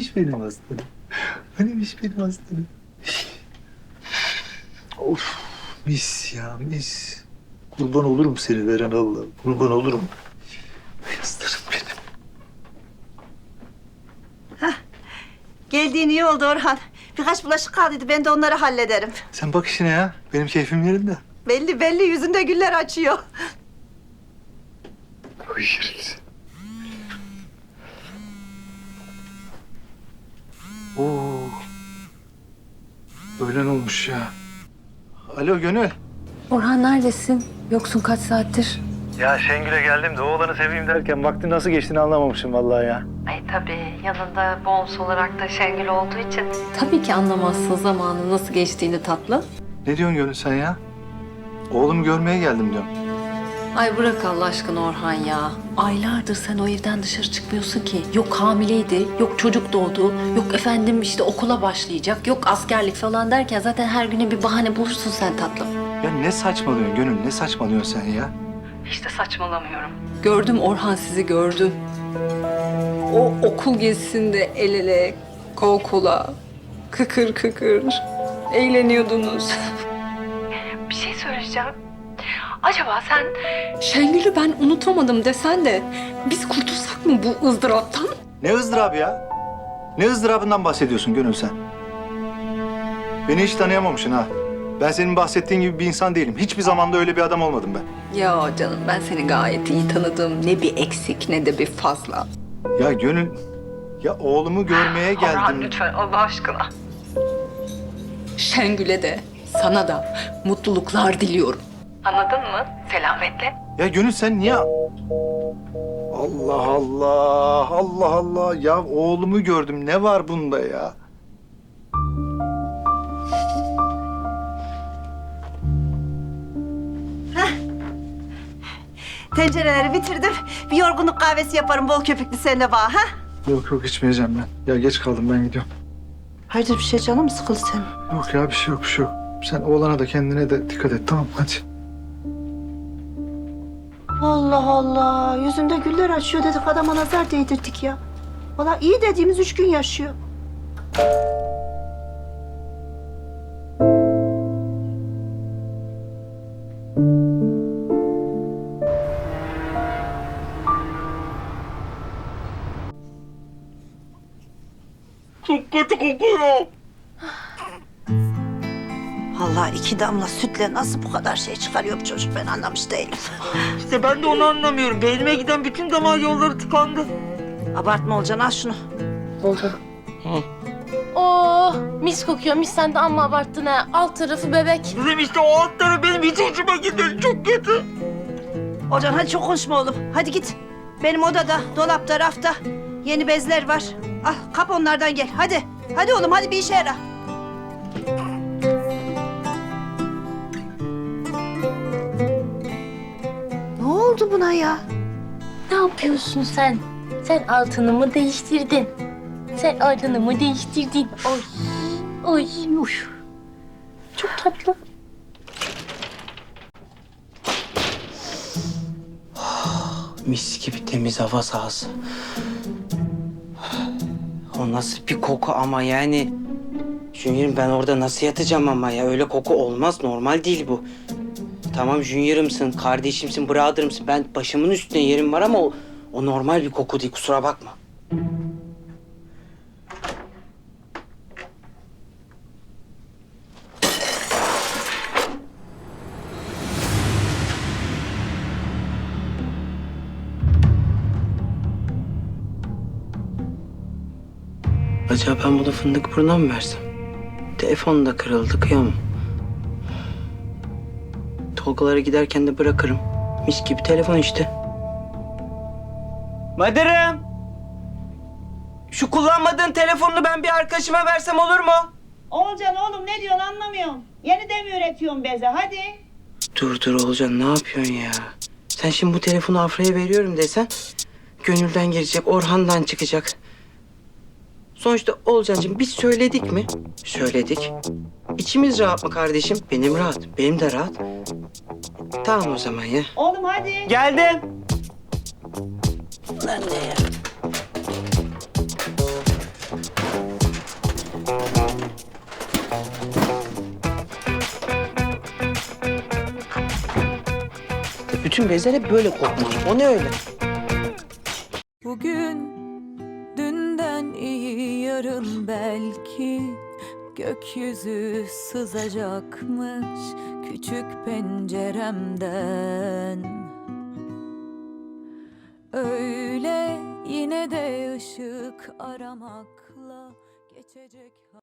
Hanimiş benim aslanım. Hanimiş benim aslanım. Of, mis ya, mis. Kurban olurum seni veren Allah. Kurban olurum. Ay aslanım benim. Geldiğin iyi oldu Orhan. Birkaç bulaşık kaldıydı. Ben de onları hallederim. Sen bak işine ya. Benim keyfim yerinde. Belli belli yüzünde güller açıyor. Oy yeriz. Oo. Öğlen olmuş ya. Alo Gönül. Orhan neredesin? Yoksun kaç saattir? Ya Şengül'e geldim de oğlanı seveyim derken vaktin nasıl geçtiğini anlamamışım vallahi ya. Ay tabii yanında bonus olarak da Şengül olduğu için. Tabii ki anlamazsın zamanın nasıl geçtiğini tatlı. Ne diyorsun Gönül sen ya? Oğlumu görmeye geldim diyorum. Ay bırak Allah aşkına Orhan ya. Aylardır sen o evden dışarı çıkmıyorsun ki. Yok hamileydi, yok çocuk doğdu, yok efendim işte okula başlayacak, yok askerlik falan derken zaten her güne bir bahane bulursun sen tatlım. Ya ne saçmalıyorsun Gönül, ne saçmalıyorsun sen ya? İşte saçmalamıyorum. Gördüm Orhan sizi gördüm. O okul gezisinde el ele, kol kola, kıkır kıkır eğleniyordunuz. Bir şey söyleyeceğim. Acaba sen Şengül'ü ben unutamadım desen de biz kurtulsak mı bu ızdıraptan? Ne ızdırabı ya? Ne ızdırabından bahsediyorsun Gönül sen? Beni hiç tanıyamamışsın ha. Ben senin bahsettiğin gibi bir insan değilim. Hiçbir zamanda öyle bir adam olmadım ben. Ya canım ben seni gayet iyi tanıdım. Ne bir eksik ne de bir fazla. Ya Gönül, ya oğlumu görmeye geldim. Orhan lütfen Allah aşkına. Şengül'e de sana da mutluluklar diliyorum. Anladın mı? Selametle. Ya Gönül sen niye... Allah Allah, Allah Allah. Ya oğlumu gördüm. Ne var bunda ya? Tencereleri bitirdim. Bir yorgunluk kahvesi yaparım bol köpüklü seninle bağ. Ha? Yok yok içmeyeceğim ben. Ya geç kaldım ben gidiyorum. Hayırdır bir şey canım mı sıkıldı senin? Yok ya bir şey yok bir şey yok. Sen oğlana da kendine de dikkat et tamam hadi. Allah Allah. Yüzünde güller açıyor dedik adama nazar değdirdik ya. Vallahi iyi dediğimiz 3 gün yaşıyor. Çok kötü kokuyor. Vallahi 2 damla sütle nasıl bu kadar şey çıkarıyor bu çocuk ben anlamış değilim. İşte ben de onu anlamıyorum. Beynime giden bütün damar yolları tıkandı. Abartma olacaksın al şunu. Oh mis kokuyor mis sen de amma abarttın ha. Alt tarafı bebek. Kızım işte o alt tarafı benim hiç hoşuma gidiyor. Çok kötü. Olcan hadi çok konuşma oğlum. Hadi git. Benim odada, dolapta, rafta yeni bezler var. Al kap onlardan gel. Hadi. Hadi oğlum hadi bir işe yara. Ne oldu buna ya? Ne yapıyorsun sen? Sen altını mı değiştirdin? Sen altını mı değiştirdin? Oy. Oy. Uy. Çok tatlı. Mis gibi temiz hava sahası. O nasıl bir koku ama yani. Junior'ım ben orada nasıl yatacağım ama ya öyle koku olmaz normal değil bu. Tamam Junior'ımsın, kardeşimsin, brother'ımsın. Ben başımın üstüne yerim var ama o normal bir koku değil kusura bakma. Acaba ben bunu fındık buruna mı versem? Telefon da kırıldı, kıyamam. Tolgalara giderken de bırakırım. Mis gibi telefon işte. Madırım! Şu kullanmadığın telefonunu ben bir arkadaşıma versem olur mu? Olcan oğlum ne diyorsun anlamıyorum. Yeni de mi üretiyorsun beze hadi. Dur Olcan ne yapıyorsun ya? Sen şimdi bu telefonu Afra'ya veriyorum desen... ...Gönül'den girecek, Orhan'dan çıkacak. Sonuçta Olcancığım biz söyledik mi? Söyledik. İçimiz rahat mı kardeşim? Benim rahat, benim de rahat. Tamam o zaman ya. Oğlum hadi. Geldim. Lan ne ya? Bütün bezler hep böyle kokmalı. O ne öyle? Bugün dünden iyi, yarın belki gökyüzü sızacakmış küçük penceremden. Öyle yine de ışık aramakla geçecek.